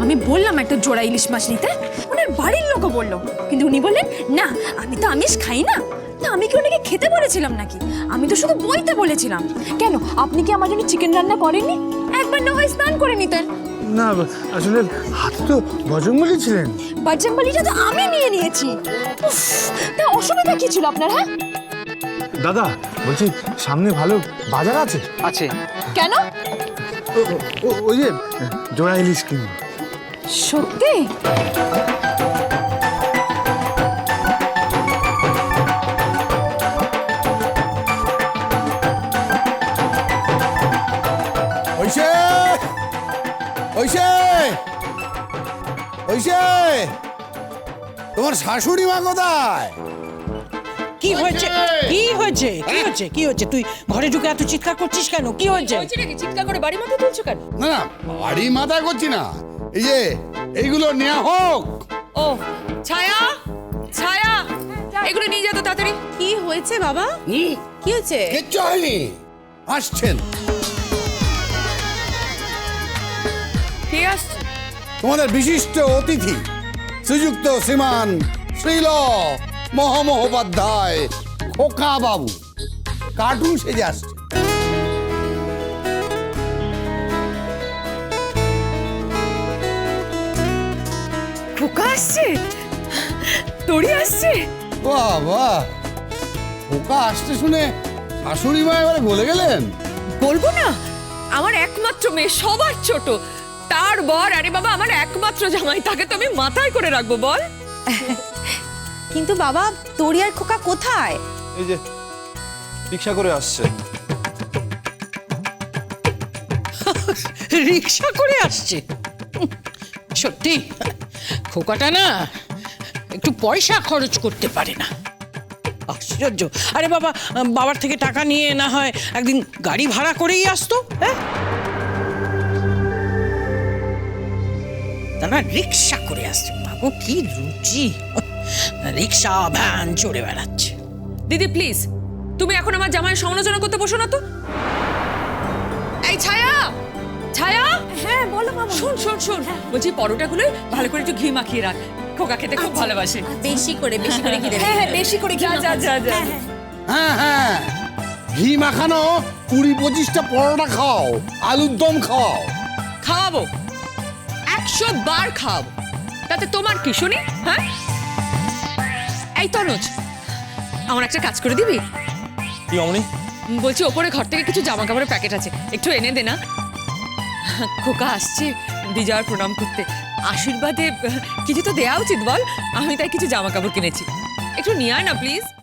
আমি বললাম একটা জোড়া ইলিশ মাছ নিতে, ওনার বাড়ির লোকও বললো, কিন্তু উনি বললেন না আমি তো আমিষ খাই না। তা আমি কি ওনাকে খেতে বলেছিলাম নাকি? আমি তো শুধু বইতে বলেছিলাম। কেন আপনি কি আমার জন্য চিকেন রান্না করেননি? একবার না হয় স্নান করে নিতেন। না আসলে হাতে তো বজরংবলী ছিলেন। বজরংবলীটা তো আমি নিয়ে নিয়েছি। উফ, তা অসুবিধা কি ছিল আপনার? হ্যাঁ দাদা বলছি সামনে ভালো বাজার আছে? আছে। কেন? ওই যে জোড়া ইলিশ কিনবো। সত্যি? ঐশে ঐশে ঐশে, তোমার শাশুড়ি মা কোথায়? কি হয়েছে? কি হয়েছে? কি হয়েছে? কি হয়েছে? তুই ঘরে ঢুকে এত চিৎকার করছিস কেন? কি হয়েছে? চিৎকার করে বাড়ি মাথা তুলছো কেন? না না, বাড়ি মাথায় করছি না, এই যে এইগুলো নেওয়া হোক। ও ছায়া, ছায়া এগুলো নিয়ে যা তো তাড়াতাড়ি। কি হয়েছে বাবা? কি হয়েছে? কিচ্ছু হয়নি, আসছেন। কে আসছে? তোমাদের বিশিষ্ট অতিথি শ্রীযুক্ত শ্রীমান শ্রীল মহামহোপাধ্যায় খোকা বাবু কার্টুন সেজে আসছে। খোকা আসছে? তোরি আসছে? বাহ বাহ, খোকা আসতে শুনে শাশুড়ি মা এবারে বলে গেলেন। বলবো না, আমার একমাত্র মেয়ে, সবার ছোট, তার বর। আরে বাবা, আমার একমাত্র জামাই, তাকে তো আমি মাথায় করে রাখবো বল। কিন্তু বাবা তোরি আর খোকা কোথায়? এই যে রিক্সা করে আসছে। রিক্সা করে আসছে? সত্যি খোকাটা না একটু পয়সা খরচ করতে পারে না, আশ্চর্য। আরে বাবা, বাবার থেকে টাকা নিয়ে না হয় একদিন গাড়ি ভাড়া করেই আসতো। হ্যাঁ, তা না রিক্সা করে আসছে। বাবু কি রুচি, রিক্সা ভ্যান চড়ে বেড়াচ্ছে। দিদি প্লিজ, তুমি এখন আমার জামাইয়ের সমালোচনা করতে বসো না তো। এই ছায়া, ছায়া, হ্যাঁ বলো মামা। শোন শোন শোন, বলছি পরোটাগুলো ভালো করে একটু ঘি মাখিয়ে রাখ, খোকা খেতে খুব ভালোবাসে। বেশি করে কি দেবে? হ্যাঁ হ্যাঁ বেশি করে যা যা যা যা। হ্যাঁ হ্যাঁ, ঘি মাখানো 20-25টা পরোটা খাও, আলুর দম খাও। খাওয়াবো, 100 বার খাওয়াবো, তাতে তোমার কি শুনি? হ্যাঁ এই তনুজ, আমার একটা কাজ করে দিবি? কি অমনি? বলছি ওপরে ঘর থেকে কিছু জামা কাপড়ের প্যাকেট আছে, একটু এনে দে না। খোকা আসছে বিজয়ার প্রণাম করতে, আশীর্বাদে কিছু তো দেওয়া উচিত বল। আমি তাই কিছু জামা কাপড় কিনেছি, একটু নিয়ে আয় না প্লিজ।